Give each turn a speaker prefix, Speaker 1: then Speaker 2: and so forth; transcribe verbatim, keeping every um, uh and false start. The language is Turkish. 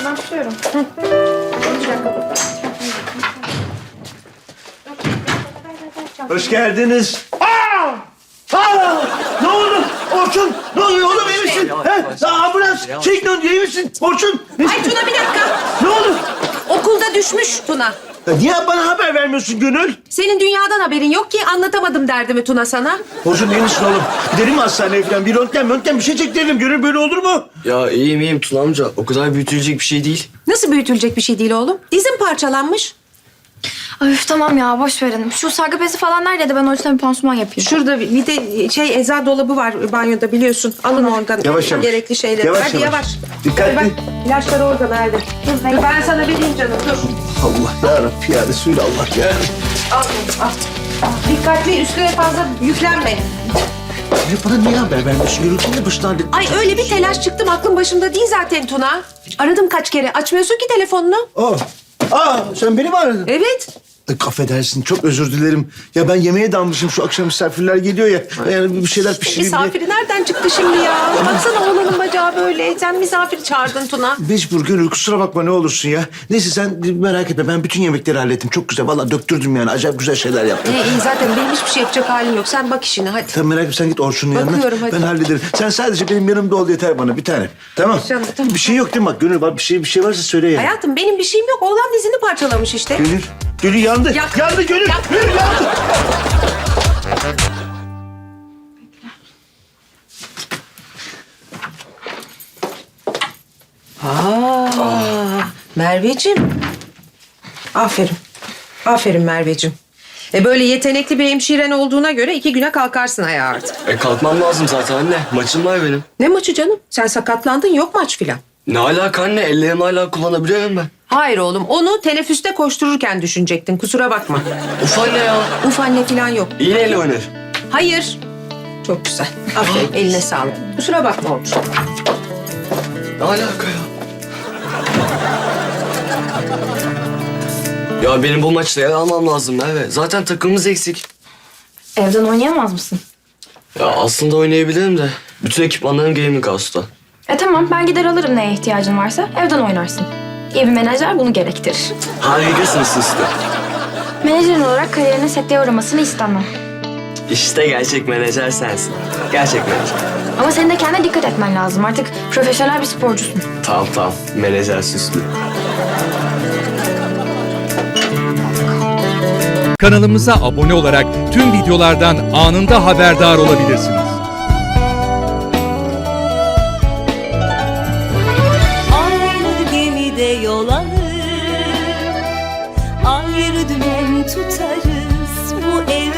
Speaker 1: başlıyorum. Hı. Bir dakika.
Speaker 2: Hoş geldiniz. Aa! Aa! Ne oldu? Orçun, ne oluyor oğlum, iyi misin? He? Ya ambulans, çek dön, iyi misin? Orçun.
Speaker 1: Ay Tuna bir dakika.
Speaker 2: Ne oldu?
Speaker 1: Okulda düşmüş Tuna.
Speaker 2: Ya niye bana haber vermiyorsun Gönül?
Speaker 1: Senin dünyadan haberin yok ki anlatamadım derdimi Tuna sana.
Speaker 2: Orçun iyi misin oğlum? Gidelim mi hastaneye falan? Bir röntgen, röntgen bir şey çektirelim. Gönül böyle olur mu?
Speaker 3: Ya iyiyim iyiyim Tuna amca. O kadar büyütülecek bir şey değil.
Speaker 1: Nasıl büyütülecek bir şey değil oğlum? Dizin parçalanmış.
Speaker 4: Ay üf, tamam ya boş verin. Şu sargı bezi falan nerede de ben o yüzden bir pansuman yapayım.
Speaker 1: Şurada bir de şey eczacı dolabı var banyoda biliyorsun. Alın oradan.
Speaker 2: Yavaş yavaş.
Speaker 1: Gerekli şeyleri.
Speaker 2: Yavaş,
Speaker 1: Hadi
Speaker 2: yavaş.
Speaker 1: yavaş.
Speaker 2: Dikkatli.
Speaker 1: Hadi bak ilaçları orada nerede? Dur ben, ben sana vereyim canım dur.
Speaker 2: Allah yarabbim ya Resulallah ya.
Speaker 1: Al al. Dikkatli üstüne fazla yüklenme.
Speaker 2: Ya bana niye haber vermiyorsun? Gönül kendi başına hallet.
Speaker 1: Ay öyle bir telaş çıktım aklım başımda değil zaten Tuna. Aradım kaç kere açmıyorsun ki telefonunu.
Speaker 2: Aa, aa sen beni mi aradın?
Speaker 1: Evet.
Speaker 2: Ay, affedersin, çok özür dilerim. Ya ben yemeğe dalmışım, şu akşam misafirler geliyor ya. Yani bir şeyler pişireyim diye.
Speaker 1: Misafiri nereden çıktı şimdi ya? Baksana oğlanın bacağı böyle. Sen misafir çağırdın Tuna.
Speaker 2: Mecbur Gönül, kusura bakma ne olursun ya. Neyse sen merak etme, ben bütün yemekleri hallettim. Çok güzel, vallahi döktürdüm yani. Acayip güzel şeyler yaptım.
Speaker 1: İyi iyi zaten benim hiçbir şey yapacak halim yok. Sen bak işine hadi.
Speaker 2: Sen merak etme, sen git Orçun'un yanına.
Speaker 1: Bakıyorum, hadi.
Speaker 2: Ben hallederim. Sen sadece benim yanımda ol yeter bana, bir tane. Tamam.
Speaker 1: Canım, tamam.
Speaker 2: Bir şey yok değil mi? Bak Gönül, bak bir şey bir şey varsa söyle ya.
Speaker 1: Hayatım benim bir şeyim yok. Oğlan dizini parçalamış işte.
Speaker 2: Gönül, Gönül yandı.
Speaker 1: Yak.
Speaker 2: Yandı Gönül.
Speaker 1: Yak.
Speaker 2: Gönül yandı.
Speaker 1: Aa, Merveciğim. Aferin. Aferin Merveciğim. E böyle yetenekli bir hemşiren olduğuna göre iki güne kalkarsın ayağa artık.
Speaker 3: E kalkmam lazım zaten anne. Maçım var benim.
Speaker 1: Ne maçı canım? Sen sakatlandın yok maç filan.
Speaker 3: Ne alaka anne? Ellerimi hala kullanabiliyorum ben.
Speaker 1: Hayır oğlum onu teneffüste koştururken düşünecektin kusura bakma.
Speaker 3: Uf anne ya.
Speaker 1: Uf anne filan yok.
Speaker 3: İyi neyle oynar?
Speaker 1: Hayır. Çok güzel. Aferin eline sağlık. Kusura bakma oğlum.
Speaker 3: Ne alaka ya? Ya benim bu maçta yer almam lazım Merve. Zaten takımımız eksik.
Speaker 4: Evden oynayamaz mısın?
Speaker 3: Ya aslında oynayabilirim de. Bütün ekipmanlarım gaming house'ta.
Speaker 4: E tamam ben gider alırım neye ihtiyacın varsa evden oynarsın. İyi bir menajer bunu gerektirir.
Speaker 3: Harikasınız siz de.
Speaker 4: Menajerin olarak kariyerine sekteye uğramasını istemem.
Speaker 3: İşte gerçek menajer sensin. Gerçek menajer.
Speaker 4: Ama senin de kendine dikkat etmen lazım. Artık profesyonel bir sporcusun.
Speaker 3: Tamam tamam. Menajer süslü.
Speaker 5: Kanalımıza abone olarak tüm videolardan anında haberdar olabilirsiniz.
Speaker 6: Aynı gemide yol alır, ayrı dümen tutarız bu ev.